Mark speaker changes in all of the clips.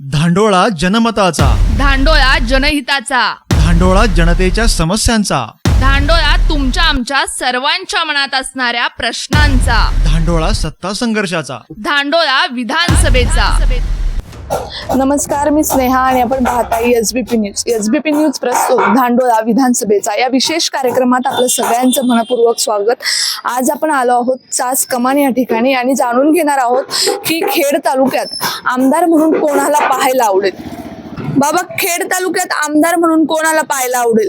Speaker 1: धांडोळा जनमताचा,
Speaker 2: धांडोळा जनहिताचा,
Speaker 1: धांडोळा जनतेच्या समस्यांचा,
Speaker 2: धांडोळा तुमच्या आमच्या सर्वांच्या मनात असणाऱ्या प्रश्नांचा,
Speaker 1: धांडोळा सत्ता संघर्षाचा,
Speaker 2: धांडोळा विधानसभेचा.
Speaker 3: नमस्कार, मी स्नेहा आणि आपण पाहताय एसबीपी न्यूज. एसबीपी न्यूज प्रस्तुत धांडोळा विधानसभेचा या विशेष कार्यक्रमात आपलं सगळ्यांचं मनपूर्वक स्वागत. आज आपण आलो आहोत चास कमान या ठिकाणी आणि जाणून घेणार आहोत की खेड तालुक्यात आमदार म्हणून कोणाला पाहायला आवडेल. बाबा, खेड तालुक्यात आमदार म्हणून कोणाला पाहायला आवडेल?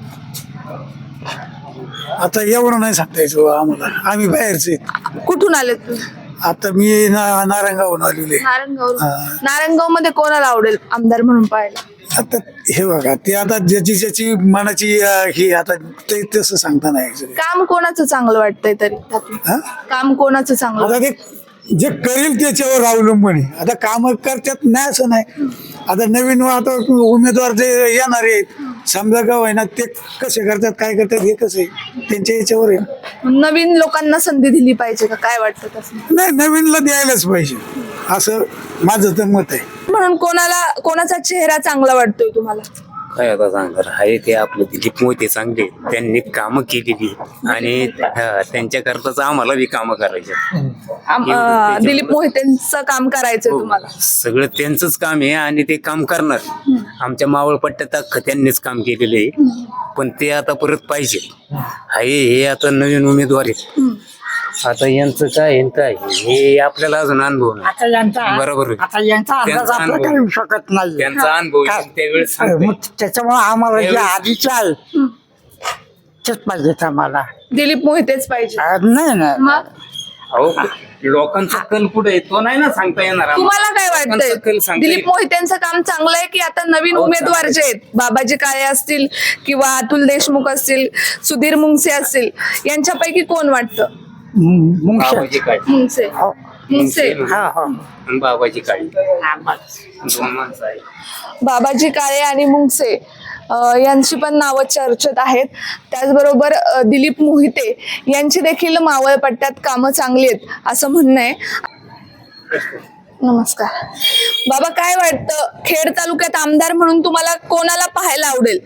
Speaker 4: आता एवढं नाही सांगता यायचं आम्हाला, आम्ही बाहेरचे.
Speaker 3: कुठून आलेत तुम्ही?
Speaker 4: आता मी नारायणगावहून आलेले.
Speaker 3: नारायणगाव मध्ये कोणाला आवडेल आमदार म्हणून पाहायला?
Speaker 4: आता हे बघा, ते आता ज्याची ज्याची मनाची ही आता ते तसं सांगता नाही यायचं.
Speaker 3: काम कोणाचं चांगलं वाटतंय तरी त्यातून?
Speaker 4: हा?
Speaker 3: काम कोणाचं चांगलं?
Speaker 4: आता ते जे करेल त्याच्यावर अवलंबून आहे. आता काम करतात नाही असं नाही. आता नवीन आता उमेदवार जे येणार आहेत समजा गाव आहे ना, ते कसे करतात काय करतात हे कसं आहे त्यांच्या याच्यावर आहे.
Speaker 3: नवीन लोकांना संधी दिली पाहिजे का, काय वाटतं तसं?
Speaker 4: नाही, नवीनला द्यायलाच पाहिजे असं माझं तर मत आहे.
Speaker 3: म्हणून कोणाचा चेहरा चांगला वाटतोय तुम्हाला?
Speaker 5: काय आता सांगणार आहे ते आपले दिलीप मोहिते चांगले, त्यांनी कामं केलेली आणि त्यांच्याकरताच आम्हाला बी कामं करायचे.
Speaker 3: दिलीप मोहितेंचं काम करायचंय तुम्हाला?
Speaker 5: सगळं त्यांचंच काम आहे आणि ते काम करणार. आमच्या मावळ पट्ट्यात अख्खं त्यांनीच काम केलेलं आहे, पण ते आता परत पाहिजे आहे. हे आता नवीन उमेदवार आहेत. आता यांचं काय आहे काय हे आपल्याला अजून अनुभव नाही.
Speaker 6: आता यांचा
Speaker 5: बरोबर आहे.
Speaker 6: आता यांचा अंदाज
Speaker 5: त्यांचा
Speaker 6: आपला
Speaker 5: अनुभव.
Speaker 6: काही येऊ शकत नाही.
Speaker 5: त्यांचा अनुभव
Speaker 6: काय?
Speaker 5: त्यावेळेस
Speaker 6: मग त्याच्यामुळे आम्हाला जे आधीचे आहे तेच पाहिजेत आम्हाला.
Speaker 3: दिलीप मोहितेच पाहिजे?
Speaker 6: नाही नाही
Speaker 3: मग
Speaker 5: अहो, लोकांचा कल पुढे आहे, तो नाही ना सांगता येणार आम्हाला.
Speaker 3: तुम्हाला काय
Speaker 5: लोकांचा कल
Speaker 3: वाटतंय?
Speaker 5: सांगता
Speaker 3: दिलीप
Speaker 5: येईल.
Speaker 3: मोहितेंचं काम चांगलं आहे की आता नवीन
Speaker 5: हो,
Speaker 3: उमेदवार जे आहेत, बाबाजी काळे असतील किंवा अतुल देशमुख असतील, सुधीर मुंगसे असतील, यांच्यापैकी कोण वाटतं?
Speaker 6: मुंगशे.
Speaker 5: बाबाजी काळी
Speaker 3: मुंगसे.
Speaker 6: हो.
Speaker 3: मुंगसे.
Speaker 6: हा हो
Speaker 5: आणि बाबाजी काळी दोन माणसं आहे.
Speaker 3: बाबाजी काळे आणि मुंगसे यांची पण नावं चर्चेत आहेत. त्याचबरोबर दिलीप मोहिते यांची देखील मावळ पट्ट्यात कामं चांगली आहेत असं म्हणणं आहे. नमस्कार बाबा, काय वाटतं खेड तालुक्यात आमदार म्हणून तुम्हाला कोणाला पाहायला आवडेल?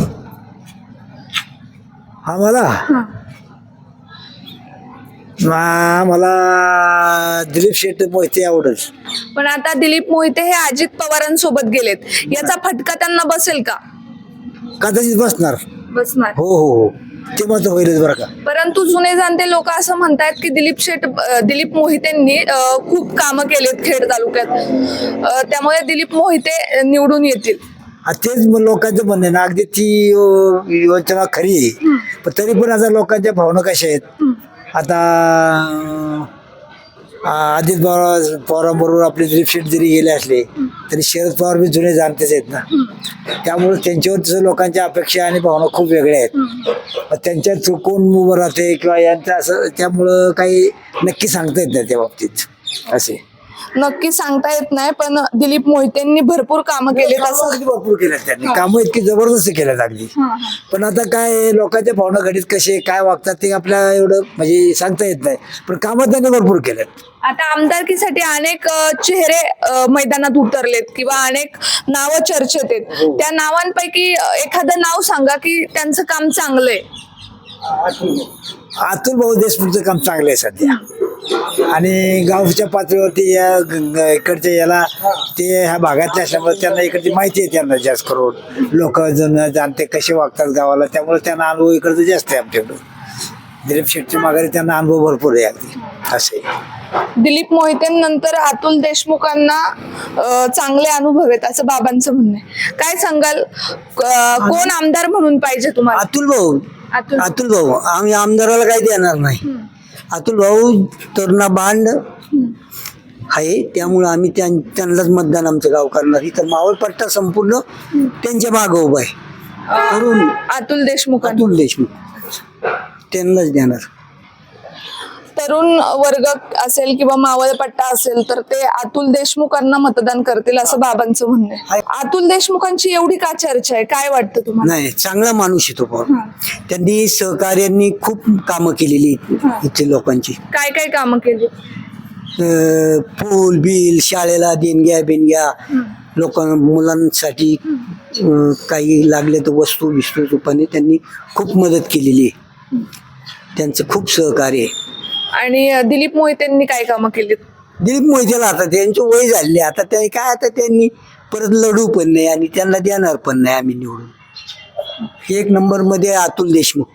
Speaker 4: मला दिलीप शेट्ट मोहिते आवडेल.
Speaker 3: पण आता दिलीप मोहिते हे अजित पवारांसोबत गेलेत, याचा फटका त्यांना बसेल का?
Speaker 4: कदाचित बसणार.
Speaker 3: बसणार.
Speaker 4: हो हो हो, ते मात्र होईलच बरं का.
Speaker 3: परंतु जुने जाणते लोक असं म्हणतायत की दिलीप मोहितेंनी खूप कामं केलेत खेड तालुक्यात, त्यामुळे दिलीप मोहिते निवडून येतील.
Speaker 4: तेच लोकांचं म्हणणं आहे ना, अगदी ती योजना खरी आहे, पण तरी पण आता लोकांच्या भावना कशा आहेत. आता अजित पवारांबरोबर आपले दिलीप शेट जरी गेले असले तरी शरद पवार बी जुने जाणतेच आहेत ना, त्यामुळे त्यांच्यावर लोकांच्या अपेक्षा आणि भावना खूप वेगळ्या आहेत. त्यांच्यात कोण उभं राहते किंवा यांचं असं, त्यामुळं काही नक्की सांगता येत नाही त्या बाबतीत. असे
Speaker 3: नक्की सांगता येत नाही, पण दिलीप मोहितेंनी भरपूर कामं केलेत असं.
Speaker 4: अगदी भरपूर केल्यात त्यांनी कामं, इतकी जबरदस्त केल्यात अगदी. पण आता काय लोकांच्या भावना घडीत कसे काय वागतात ते आपल्याला एवढं म्हणजे सांगता येत नाही, पण कामं त्यांनी भरपूर केल्यात.
Speaker 3: आता आमदारकीसाठी अनेक चेहरे मैदानात उतरलेत किंवा अनेक नावं चर्चेत आहेत. त्या नावांपैकी एखादं नाव सांगा की त्यांचं काम चांगलंय.
Speaker 4: अतुल भाऊ देशमुखचं काम चांगलं आहे सध्या, आणि गावच्या पातळीवरती या इकडच्या याला ते ह्या भागातले असल्यामुळे त्यांना इकडची माहिती आहे. त्यांना जास्त करून लोक जाणते कसे वागतात गावाला, त्यामुळे त्यांना अनुभव इकडचं जास्त आहे आमच्याकडं. दिलीप शेट्टी माघारी त्यांना अनुभव भरपूर आहे अगदी असे.
Speaker 3: दिलीप मोहितेंनंतर अतुल देशमुखांना चांगले अनुभव आहेत असं बाबांचं म्हणणं आहे. काय सांगाल, कोण आमदार म्हणून पाहिजे तुम्हाला?
Speaker 4: अतुल भाऊ आम्ही आमदाराला काही देणार नाही. अतुल भाऊ तरुणा बांड आहे, त्यामुळं आम्ही त्यांनाच मतदान आमचं गाव करणार. इथं मावळ पट्टा संपूर्ण त्यांच्या मागं उभा आहे.
Speaker 3: अतुल देशमुख
Speaker 4: त्यांनाच देणार.
Speaker 3: तरुण वर्ग असेल किंवा मावळ पट्टा असेल तर ते अतुल देशमुखांना मतदान करतील असं बाबांचं म्हणणं आहे. अतुल देशमुखांची एवढी का चर्चा आहे, काय वाटतं तुम्हाला?
Speaker 4: नाही, चांगला माणूस आहे तो पण. त्यांनी सहकार्यांनी खूप कामं केलेली इथे लोकांची.
Speaker 3: काय काय कामं केली?
Speaker 4: पूल बिल, शाळेला देणग्या बिनग्या,
Speaker 6: मुलांसाठी काही लागले तर वस्तू विस्तू रूपाने त्यांनी खूप मदत केलेली आहे. त्यांचं खूप सहकार्य आहे.
Speaker 3: आणि दिलीप मोहितेंनी काय कामं केलीत?
Speaker 6: दिलीप मोहितेला आता त्यांची वय झाली, आता ते काय, आता त्यांनी परत लढू पण नाही आणि त्यांना देणार पण नाही आम्ही निवडून. एक नंबर मध्ये अतुल देशमुख.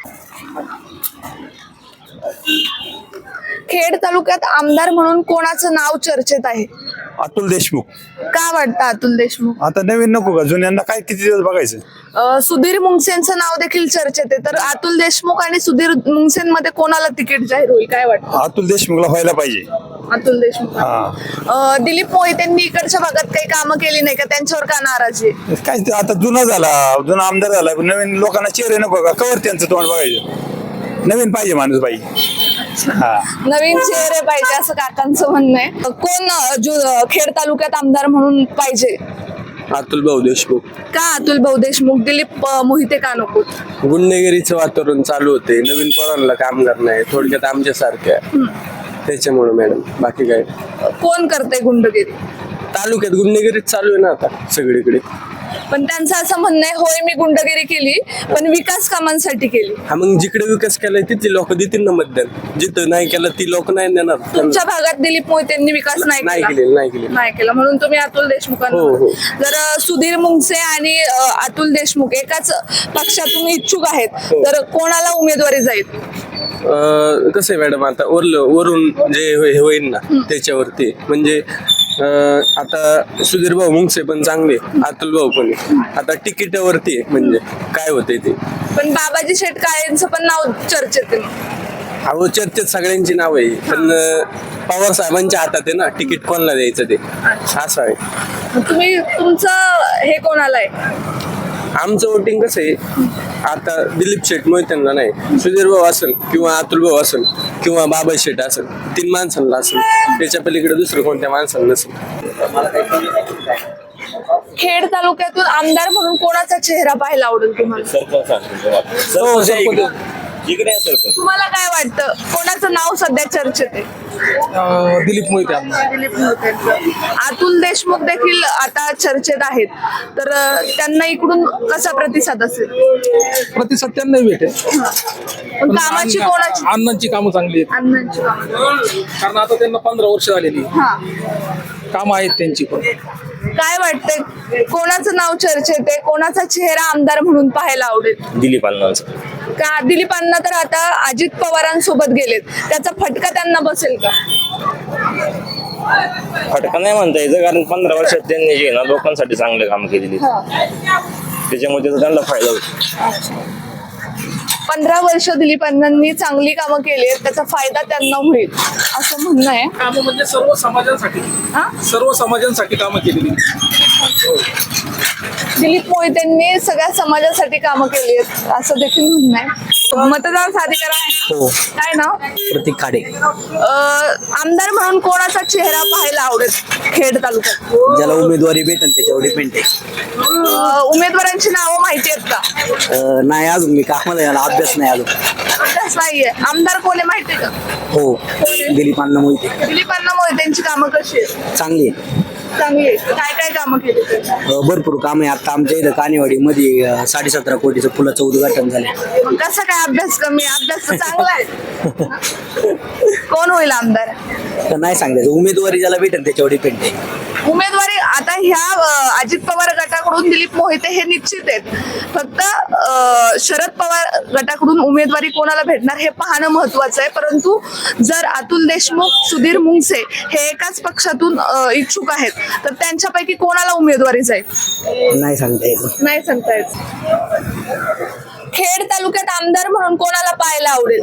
Speaker 3: खेड तालुक्यात आमदार म्हणून कोणाचं नाव चर्चेत आहे?
Speaker 7: अतुल देशमुख.
Speaker 3: का वाटतं अतुल देशमुख?
Speaker 7: आता नवीन नको का, जुन्यांना काय किती दिवस बघायचं.
Speaker 3: सुधीर मुंगसेंचं नाव देखील चर्चेत आहे, तर अतुल देशमुख आणि सुधीर मुंगसेंमध्ये कोणाला तिकीट जाहीर होईल काय वाटतं?
Speaker 7: अतुल देशमुखला व्हायला पाहिजे.
Speaker 3: अतुल देशमुख.
Speaker 7: हा,
Speaker 3: दिलीप मोहितेंनी इकडच्या भागात काही कामं केली नाही का? त्यांच्यावर का नाराजी आहे?
Speaker 7: काय ते आता जुना आमदार झाला, नवीन लोकांना चेहरे नको का, कवर त्यांचं तोंड बघायचं. नवीन पाहिजे माणूस पाहिजे. हा,
Speaker 3: नवीन चेहरे पाहिजे असं काकांचं म्हणणं आहे. कोण खेड तालुक्यात आमदार म्हणून पाहिजे?
Speaker 8: अतुल भाऊ देशमुख.
Speaker 3: का अतुल भाऊ देशमुख? दिलीप मोहिते का नको?
Speaker 8: गुंडगिरीचं वातावरण चालू होते, नवीन पोरांना कामगार नाही, थोडक्यात आमच्यासारख्या, त्याच्यामुळे मॅडम. बाकी काय
Speaker 3: कोण करते गुंडगिरी?
Speaker 8: तालुक्यात गुंडगिरीच चालू आहे ना आता सगळीकडे.
Speaker 3: पण त्यांचं असं म्हणणं आहे, होय मी गुंडगिरी केली पण विकास कामांसाठी केली.
Speaker 8: हा, मग जिकडे विकास केलाय तिथली लोक देतील ना मतदान, जिथं नाही केलं ती लोक नाही देणार.
Speaker 3: तुमच्या भागात दिलीप मोहितेंनी विकास नाही केला? नाही केला म्हणून तुम्ही अतुल देशमुखांना.
Speaker 8: हो, हो.
Speaker 3: जर सुधीर मुंगसे आणि अतुल देशमुख एकाच पक्षातून इच्छुक आहेत, तर कोणाला उमेदवारी जाईल?
Speaker 8: कसं आहे मॅडम, आता वरून जे हे होईल ना त्याच्यावरती, म्हणजे आता सुधीर भाऊ मुंगसे पण चांगले, अतुल भाऊ पण आता तिकिटावरती आहे, म्हणजे काय होतंय ते.
Speaker 3: पण बाबाजी शेटकाळेंचं पण नाव चर्चेत आहे.
Speaker 8: अहो, चर्चेत सगळ्यांची नाव आहे, पण पवार साहेबांच्या हातात आहे ना तिकीट कोणाला द्यायचं ते, असं आहे.
Speaker 3: तुमचं हे कोणाला आहे?
Speaker 8: आमचं वोटिंग कसं आहे, आता दिलीप शेठ मोहित्यांना नाही, सुधीर भाऊ असेल किंवा अतुल भाऊ असेल किंवा बाबा शेठ असेल, 3 माणसांना असेल, त्याच्या पलीकडे दुसरं कोणत्या माणसांना नसेल.
Speaker 3: खेड तालुक्यातून आमदार म्हणून कोणाचा चेहरा पाहायला आवडेल तुम्हाला? तुम्हाला काय वाटतं, कोणाचं नाव सध्या चर्चेत आहे?
Speaker 9: दिलीप मोहिते.
Speaker 3: दिलीप मोहिते. अतुल देशमुख देखील आता चर्चेत आहेत, तर त्यांना इकडून कसा प्रतिसाद असेल?
Speaker 9: प्रतिसाद त्यांना भेटेल,
Speaker 3: पण कामाची कोणाची?
Speaker 9: अण्णांची कामं चांगली आहेत,
Speaker 3: अण्णांची कामं.
Speaker 9: कारण आता त्यांना 15 वर्ष झालेली
Speaker 3: हा,
Speaker 9: कामं आहेत त्यांची पण.
Speaker 3: काय वाटतंय, कोणाचं नाव चर्चेत आहे, कोणाचा चेहरा आमदार म्हणून पाहायला आवडेल?
Speaker 10: दिलीप अण्णांचं.
Speaker 3: का दिलीपांना तर आता अजित पवारांसोबत गेलेत, त्याचा फटका त्यांना बसेल का?
Speaker 10: फटका नाही म्हणता यायचं, कारण 15 वर्षात त्यांनी जे ना लोकांसाठी चांगले काम केलेली, त्याच्यामुळे त्याचा त्यांना फायदा होतो.
Speaker 3: 15 वर्ष दिलीपांनी चांगली कामं केली आहेत, त्याचा फायदा त्यांना होईल असं म्हणणं आहे.
Speaker 9: कामं म्हणजे सर्व समाजांसाठी,
Speaker 3: हा?
Speaker 9: सर्व समाजांसाठी कामं केलेली.
Speaker 3: दिलीप मोहितेंनी सगळ्या समाजासाठी कामं केली आहेत असं देखील म्हणणं आहे. मतदार साधिकार आहे ना? काय नाव?
Speaker 6: प्रतीक खाडे.
Speaker 3: आमदार म्हणून कोणाचा चेहरा पाहायला आवडेल खेड तालुक्यात?
Speaker 6: ज्याला उमेदवारी भेटेल त्याच्यावर डिपेंड आहे.
Speaker 3: उमेदवारांची नावं माहिती आहेत का?
Speaker 6: नाही अजून, मी कामाला याला अभ्यास नाही अजून.
Speaker 3: अभ्यास नाहीये. आमदार कोण आहे माहिती आहे का?
Speaker 6: हो, दिलीप अण्णा मोहिते.
Speaker 3: दिलीपांना मोहितेंची कामं कशी आहेत?
Speaker 6: चांगली आहे.
Speaker 3: चांगली आहे. काय काय कामं केली त्यांनी?
Speaker 6: भरपूर काम आहे. आता आमच्या इथं कानेवाडी मध्ये 17.5 कोटीचं पुलाचं उद्घाटन झालं.
Speaker 3: मग कसा काय अभ्यास कमी? अभ्यास तर चांगला आहे. कोण होईल आमदार?
Speaker 6: तर नाही सांगायचं, उमेदवारी ज्याला भेटेल त्याच्यावर डिपेंड आहे.
Speaker 3: उमेदवारी आता ह्या अजित पवार गटाकडून दिलीप मोहिते हे निश्चित आहेत. फक्त शरद पवार गटाकडून उमेदवारी कोणाला भेटणार हे पाहणं महत्वाचं आहे. परंतु जर अतुल देशमुख, सुधीर मुंगसे हे एकाच पक्षातून इच्छुक आहेत, तर त्यांच्यापैकी कोणाला उमेदवारी जाईल?
Speaker 6: नाही सांगता येत.
Speaker 3: नाही सांगता येत. खेड तालुक्यात आमदार म्हणून कोणाला पाहायला आवडेल?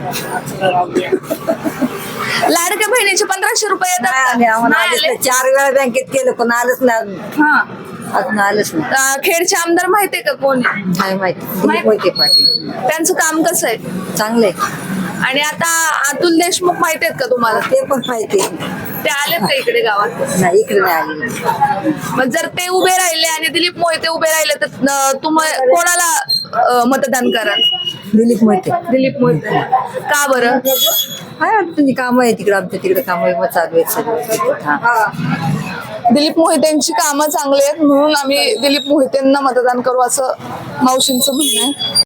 Speaker 3: लाडक्या बहिणीचे 1500 रुपये येतात. नाही आले?
Speaker 6: 4 वेळा बँकेत केलं पण आलंच नाही.
Speaker 3: हा.
Speaker 6: अजून आलंच नाही.
Speaker 3: खेडचे आमदार माहितीये का कोण आहे?
Speaker 6: नाही माहिती. पाटील
Speaker 3: त्यांचं काम कसं आहे?
Speaker 6: चांगलंय.
Speaker 3: आणि आता अतुल देशमुख माहिती आहेत का तुम्हाला?
Speaker 6: ते पण माहिती.
Speaker 3: ते आलेत का इकडे गावात?
Speaker 6: नाही, इकडे नाही आले.
Speaker 3: मग जर ते उभे राहिले आणि दिलीप मोहिते उभे राहिले, तर तुम्हाला कोणाला मतदान कराल?
Speaker 6: दिलीप मोहिते.
Speaker 3: दिलीप मोहिते. का बरं?
Speaker 6: काय तुझी कामं आहे तिकडे, आमच्या तिकडे कामं चालू आहेत सगळं.
Speaker 3: दिलीप मोहितेंची कामं चांगली आहेत म्हणून आम्ही दिलीप मोहितेंना मतदान करू असं मावशींचं म्हणणं आहे.